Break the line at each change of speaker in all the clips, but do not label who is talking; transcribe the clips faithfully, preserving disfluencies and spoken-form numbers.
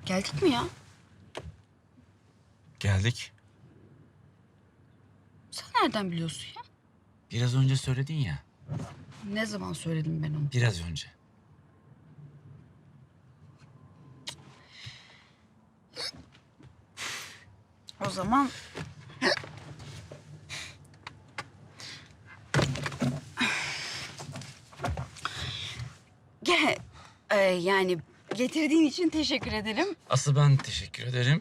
Geldik mi ya?
Geldik.
Sen nereden biliyorsun ya?
Biraz önce söyledin ya.
Ne zaman söyledim ben onu?
Biraz önce.
O zaman... Gel. Ee, yani getirdiğin için teşekkür ederim.
Asıl ben teşekkür ederim.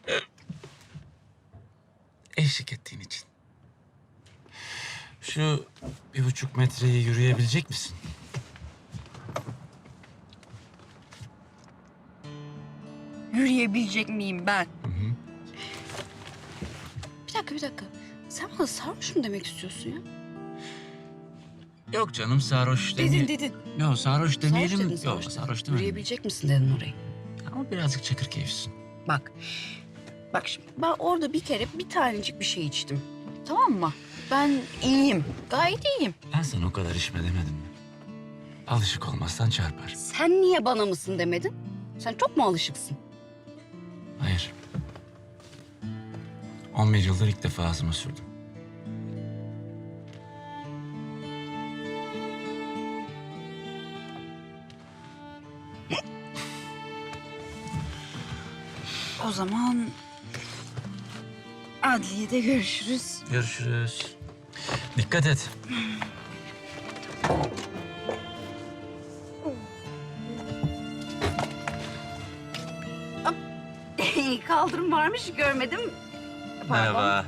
Eşlik ettiğin için. Şu bir buçuk metreyi yürüyebilecek misin?
Yürüyebilecek miyim ben?
Hı hı.
Bir dakika, bir dakika. Sen bana sarhoş mu demek istiyorsun ya?
Yok canım sarhoş
Dedin,
demeyelim.
dedin.
Yok sarhoş demeyelim.
Sarhoş dedin,
Yok
sarhoş dedin.
sarhoş demeyelim.
Yürüyebilecek misin dedin orayı.
Ama birazcık çakır keyifsin.
Bak. Bak şimdi ben orada bir kere bir tanecik bir şey içtim. Tamam mı? Ben iyiyim. Gayet iyiyim.
Ben sana o kadar içme demedim mi? Alışık olmazsan çarpar.
Sen niye bana mısın demedin? Sen çok mu alışıksın?
Hayır. on bir yıldır ilk defa ağzıma sürdüm.
O zaman adliyede görüşürüz.
Görüşürüz. Dikkat et.
Kaldırım varmış görmedim. Pardon.
Merhaba.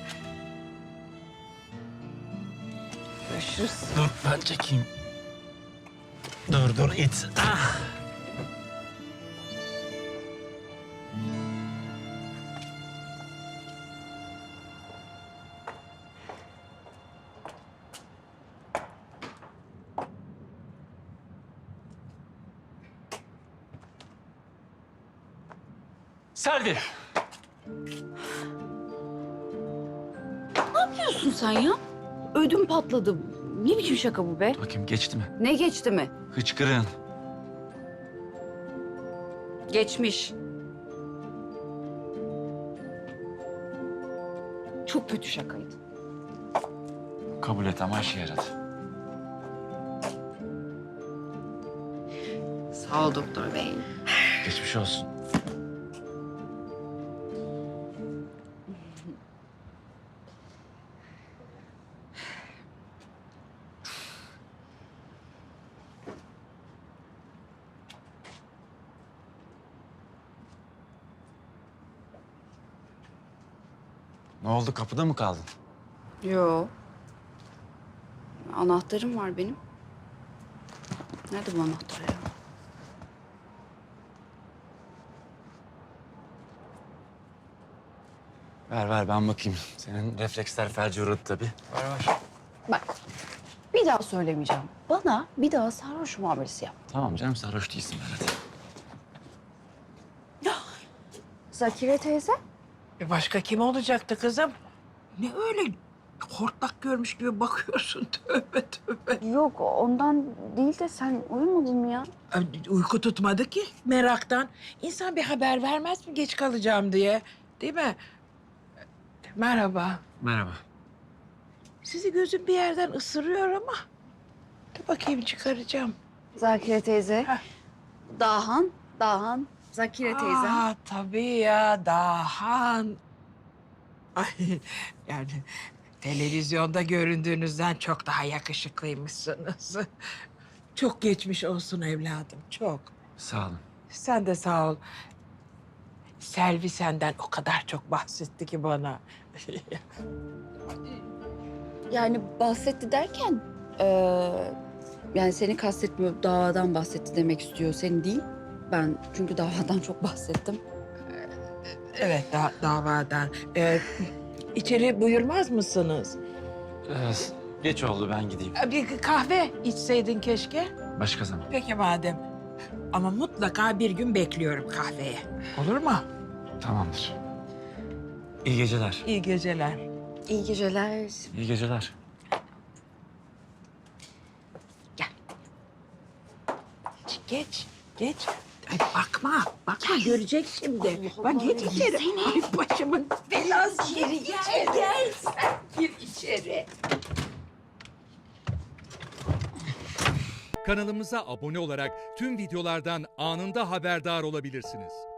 Görüşürüz.
Dur ben çekeyim. Dur dur it. Ah. Selvi.
Ne yapıyorsun sen ya? Ödüm patladı. Ne biçim şaka bu be?
Bakayım geçti mi?
Ne geçti mi?
Hıçkırığın.
Geçmiş. Çok kötü şakaydı.
Kabul et ama işe yaradı.
Sağ ol doktor bey.
Geçmiş olsun. Ne oldu kapıda mı kaldın?
Yo. Anahtarım var benim. Nerede bu anahtar ya?
Ver ver ben bakayım. Senin refleksler felci uğradı tabii. Ver ver.
Bak. Bir daha söylemeyeceğim. Bana bir daha sarhoş muamelesi yap.
Tamam canım sarhoş değilsin Berat.
Zakire teyze.
E başka kim olacaktı kızım? Ne öyle hortlak görmüş gibi bakıyorsun? Tövbe tövbe.
Yok ondan değil de sen uyumadın mı ya?
Ay, uyku tutmadı ki meraktan. İnsan bir haber vermez mi geç kalacağım diye? Değil mi? Merhaba.
Merhaba.
Sizi gözüm bir yerden ısırıyor ama. Dur bakayım çıkaracağım.
Zakire teyze.
Heh.
Dahan, Dahan. Zakire teyze.
Aa, tabii ya Dahan. Ay yani televizyonda göründüğünüzden çok daha yakışıklıymışsınız. Çok geçmiş olsun evladım, çok.
Sağ olun.
Sen de sağ ol. Selvi senden o kadar çok bahsetti ki bana.
Yani bahsetti derken... eee, yani seni kastetmiyor, davadan bahsetti demek istiyor. Seni değil. Ben çünkü davadan çok bahsettim.
Evet, da davadan. Ee, içeri buyurmaz mısınız?
Ee, geç oldu ben gideyim.
Ee, Bir kahve içseydin keşke.
Başka zaman.
Peki madem. Ama mutlaka bir gün bekliyorum kahveye. Olur mu?
Tamamdır. İyi geceler.
İyi geceler.
İyi geceler.
İyi geceler.
Geç, geç. Ay bakma, bakma görecek şimdi. Bak git içeri. Ay başımın belası. Gir içeri. Gel sen gir içeri.
Kanalımıza abone olarak tüm videolardan anında haberdar olabilirsiniz.